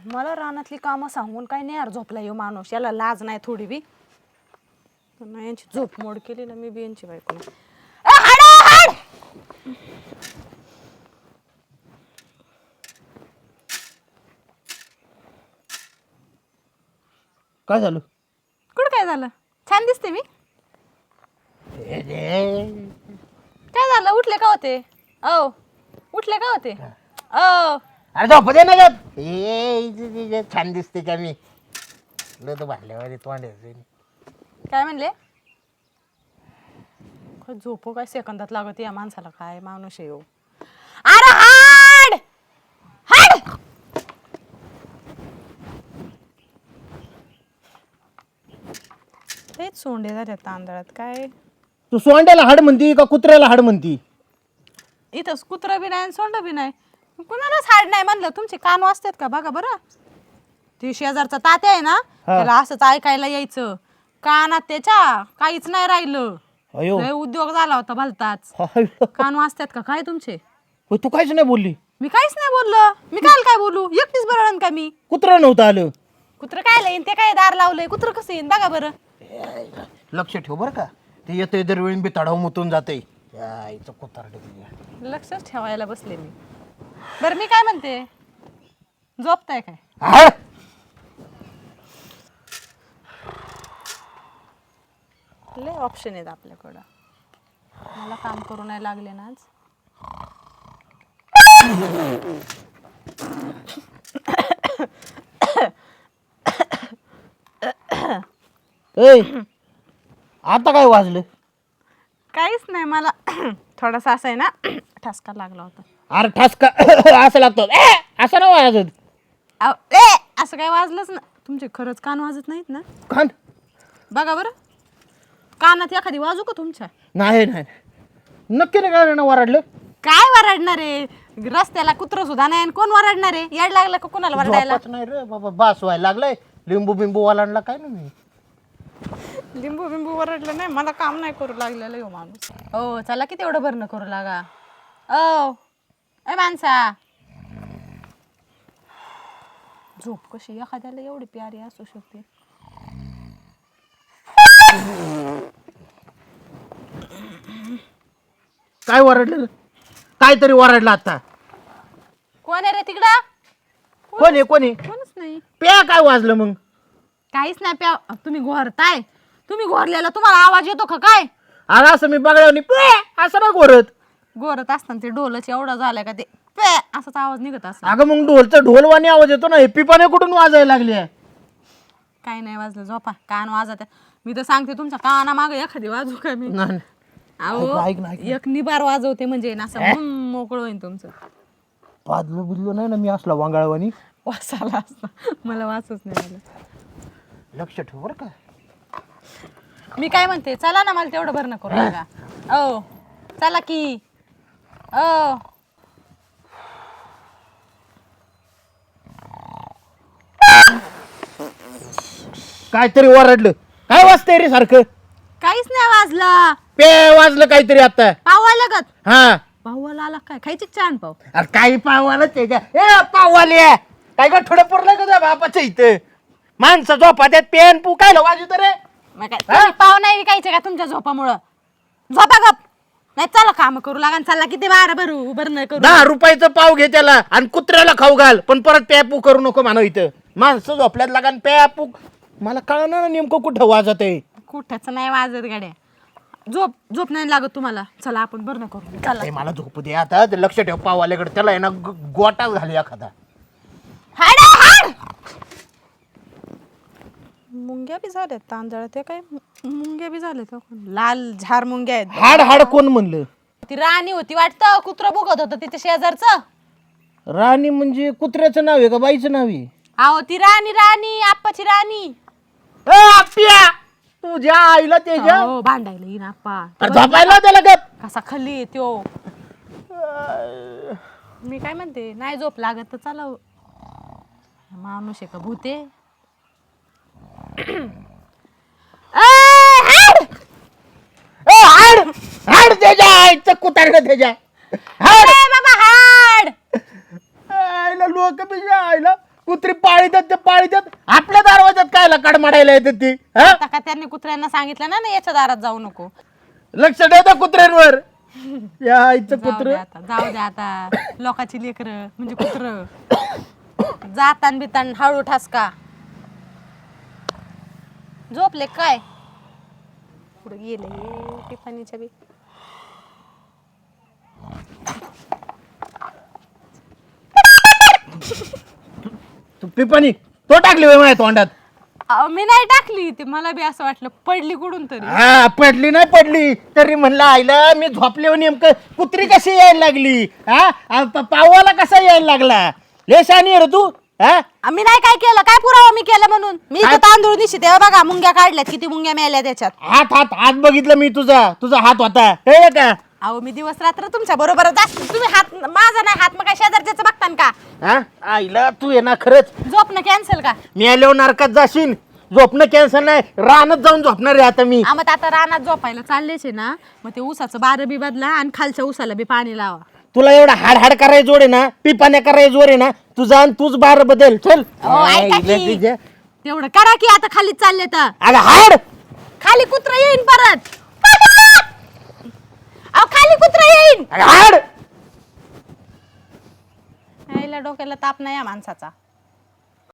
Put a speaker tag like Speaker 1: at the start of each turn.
Speaker 1: मला रानातली कामं सांगून काय नाही यार झोपला येऊ माणूस याला लाज नाही थोडी बी नाही यांची झोप मोड केली ना मी बी यांची बायको
Speaker 2: काय झालं?
Speaker 1: कुठं काय झालं छान दिसते मी काय झालं उठले का होते ओ उठले का होते ओ
Speaker 2: अरे झोप दे ना गप. ए छान दिसते का मी तो भांडल्यावर तोंड
Speaker 1: काय म्हणले झोपो काय सेकंदात लागत या माणसाला काय माणूस येऊ अरे हाड हाड तेच सोंडे झाले तांदळात काय
Speaker 2: तू सोंड्याला हाड म्हणती का कुत्र्याला हाड म्हणती?
Speaker 1: इथं कुत्रा बी नाही आणि सोंड बी नाही कुणालाच हाड नाही म्हणलं तुमचे कान वाजतात का बघा बरं ती शेजारचा तात्या आहे ना त्याला असंच ऐकायला यायचं कानात त्याच्या काहीच नाही राहिलं
Speaker 2: अयो
Speaker 1: लय उद्योग झाला होता भलताच कान वाजतात का काय तुमचे
Speaker 2: तू काहीच नाही बोलली?
Speaker 1: मी काहीच नाही बोललो मी काय बोलू एकटीच बरं का मी
Speaker 2: कुत्रा नव्हतं आलं?
Speaker 1: कुत्र काय येईन ते काय दार लावलंय कुत्र कसं येईन बघा बरं
Speaker 2: लक्ष ठेव बरं का ते येतंय दरवेळी बी तडाव मुतून जाते कुत्राड
Speaker 1: लक्षच ठेवायला बसले मी बरं मी काय म्हणते झोपताय काय लय ऑप्शन आहेत आपल्याकडं मला काम करू नाही लागले ना आज
Speaker 2: आता काय वाजलं?
Speaker 1: काहीच नाही मला थोडासा असं आहे ना ठसका लागला होता
Speaker 2: अरे ठसका असं लागतो असं ना वाजत
Speaker 1: असं काय वाजलंच ना तुमचे खरंच कान वाजत नाहीत ना
Speaker 2: कान
Speaker 1: बघा बरं कानात एखादी वाजू का तुमच्या
Speaker 2: नाही नाही नक्की नाही काय ना वराडलं
Speaker 1: काय वरडणार आहे रस्त्याला कुत्र सुद्धा नाही आणि कोण वरडणार आहे याड लागलं का कोणाला वरडायला
Speaker 2: नाही रे बाबा बास व्हायला लागलाय लिंबू बिंबू वालांडला काय ना मी
Speaker 1: लिंबू बिंबू वरडलं नाही मला काम नाही करू लागलेलं हो माणूस हो चला किती एवढं भरणं करू लागा ओ ए माणसा झोप कशी एखाद्याला एवढी प्यारी असू शकते
Speaker 2: काय वरडलं? काहीतरी वरडलं आता.
Speaker 1: कोण आहे रे तिकडं
Speaker 2: कोणी
Speaker 1: कोणच नाही
Speaker 2: प्या काय वाजलं मग?
Speaker 1: काहीच नाही प्या तुम्ही घोरताय तुम्ही घोरलेला तुम्हाला आवाज येतो का काय
Speaker 2: अरे असं मी बघायला असं ना घोरत
Speaker 1: घोरत असताना ते ढोलच एवढं झालं का ते पे असाच आवाज निघत असं
Speaker 2: अगं मग ढोलवाणी आवाज येतो ना हे पिपाने कुठून वाजायला लागली?
Speaker 1: काही नाही वाजलं झोपा कान वाजत मी तर सांगते तुमच्या काना मागे एखादी वाजू का मी अहो
Speaker 2: ऐक ना.
Speaker 1: एक निबार वाजवते म्हणजे ना असं मोकळं होईन तुमचं
Speaker 2: पाजलो बिजलो नाही ना मी असला वांगाळवानी
Speaker 1: वासाला असतं मला वाचच नाही आलं
Speaker 2: लक्ष ठेव बरं का.
Speaker 1: मी काय म्हणते चला ना मला तेवढं भरणं करू नका ओ चला की ओ
Speaker 2: काहीतरी वरडलं काय वाजतंय रे सारखं?
Speaker 1: काहीच नाही वाजलं
Speaker 2: पे वाजलं काहीतरी आता.
Speaker 1: पाव आला का
Speaker 2: हा
Speaker 1: पावाला आला काय खायची छान पाव
Speaker 2: अरे काही पावाला त्याच्या ए पाववाले काय का थोडं पुरलं का बापाचं इथं माणसं झोपा त्यात पेन पू काय वाजवत रे?
Speaker 1: मग काय तुम्ही पाव नाही विकायचे का तुमच्या झोपामुळं झोपा गप नाही चला काम करू लागा चला किती बारा भरू भरणं करू
Speaker 2: 10 रुपयाचं पाव घे त्याला आणि कुत्र्याला खाऊ घाल पण परत प्यापू करू नको म्हणा इथं माणसं झोपल्यात लागा प्यापू मला कळणार ना नेमकं कुठं वाजत आहे.
Speaker 1: कुठंच नाही वाजत गाड्या झोप नाही लागत तुम्हाला चला आपण भरणं करू चला
Speaker 2: मला झोपू दे आता ते लक्ष ठेव पाववाल्याकडे त्याला आहे ना गोटा झाली एखादा.
Speaker 1: मुंग्या बी झाल्यात तांदळा ते काय मुंग्या बी झाल्यात लाल झार मुंग्या आहेत
Speaker 2: हाड हाड कोण म्हणलं?
Speaker 1: ती राणी होती वाटतं कुत्र बघत होतं तिथे शेजारचं
Speaker 2: राणी म्हणजे कुत्र्याचं नाव आहे का बाईचं नाव आहे?
Speaker 1: अहो ती राणी आप्पाची राणी
Speaker 2: आप्या तुझ्या आईला त्याच्या
Speaker 1: हो भांडायला येईन आप्पा
Speaker 2: झोपायला त्याला गप
Speaker 1: कसा खाल्ली येतो मी काय म्हणते नाही झोप लागत तर चला माणूस आहे का भूते
Speaker 2: हाड हाड त्याच्या आईचं कुत्र्याला त्याच्या हाड
Speaker 1: बाबा हाड
Speaker 2: आईला लोक बिजा आईला कुत्री पाळीतात ते पाळीतात, आपल्या दरवाजात कायला काड मारायला येतात ती हा?
Speaker 1: आता का त्यांनी कुत्र्यांना सांगितलं ना याच्या दारात जाऊ नको.
Speaker 2: लक्ष ठेवता कुत्र्यांवर. या आईचं कुत्र
Speaker 1: जाऊ दे आता लोकांची लेकर म्हणजे कुत्र जातान बितान हळू ठसका. झोपले काय पुढे गेले टिफानीच्या बी.
Speaker 2: तू पिपाणी तो टाकली होय माझ्या तोंडात.
Speaker 1: मी नाही टाकली ती, मला बी असं वाटलं पडली कुठून तरी.
Speaker 2: हा पडली नाही पडली तरी म्हणलं आईला मी झोपले नेमकं कुत्री कशी यायला लागली हा पावाला कसा यायला लागला. लेशानी रे तू हा.
Speaker 1: मी नाही काय केलं, काय पुरावा मी केलं म्हणून. मी इथं तांदूळ दिशी तेव्हा बघा मुंग्या काढल्यात, किती मुंग्या मेल्या त्याच्यात.
Speaker 2: हात हात हात बघितलं मी तुझा हात होता हे का.
Speaker 1: अहो मी दिवस रात्र तुमच्या बरोबर असते. तुम्ही हात माझा नाही हात मग काय शेजारच्याच बघतान का.
Speaker 2: हा आईला तू ये ना खरंच
Speaker 1: झोपणं कॅन्सल का.
Speaker 2: मी आल्यावर नरकात जाशील. झोपणं कॅन्सल नाही रानात जाऊन झोपणार आहे आता मी.
Speaker 1: मग आता रानात झोपायला चाललेच आहे ना, मग ते ऊसाचं बार बी बदला आणि खालच्या ऊसाला बी पाणी लावा.
Speaker 2: तुला एवढा हाड हाड करायचं जोड आहे ना, पिपाण्या करायचं जोड आहे ना तुझा, आणि तूच बार बदल चल.
Speaker 1: ऐका की. तेवढं करा की आता खालीच चालले तर.
Speaker 2: अगं हाड
Speaker 1: खाली कुत्रा येईन परत. अहो खाली कुत्रा येईन.
Speaker 2: अगं हाड.
Speaker 1: आईला डोक्याला ताप नाही या माणसाचा.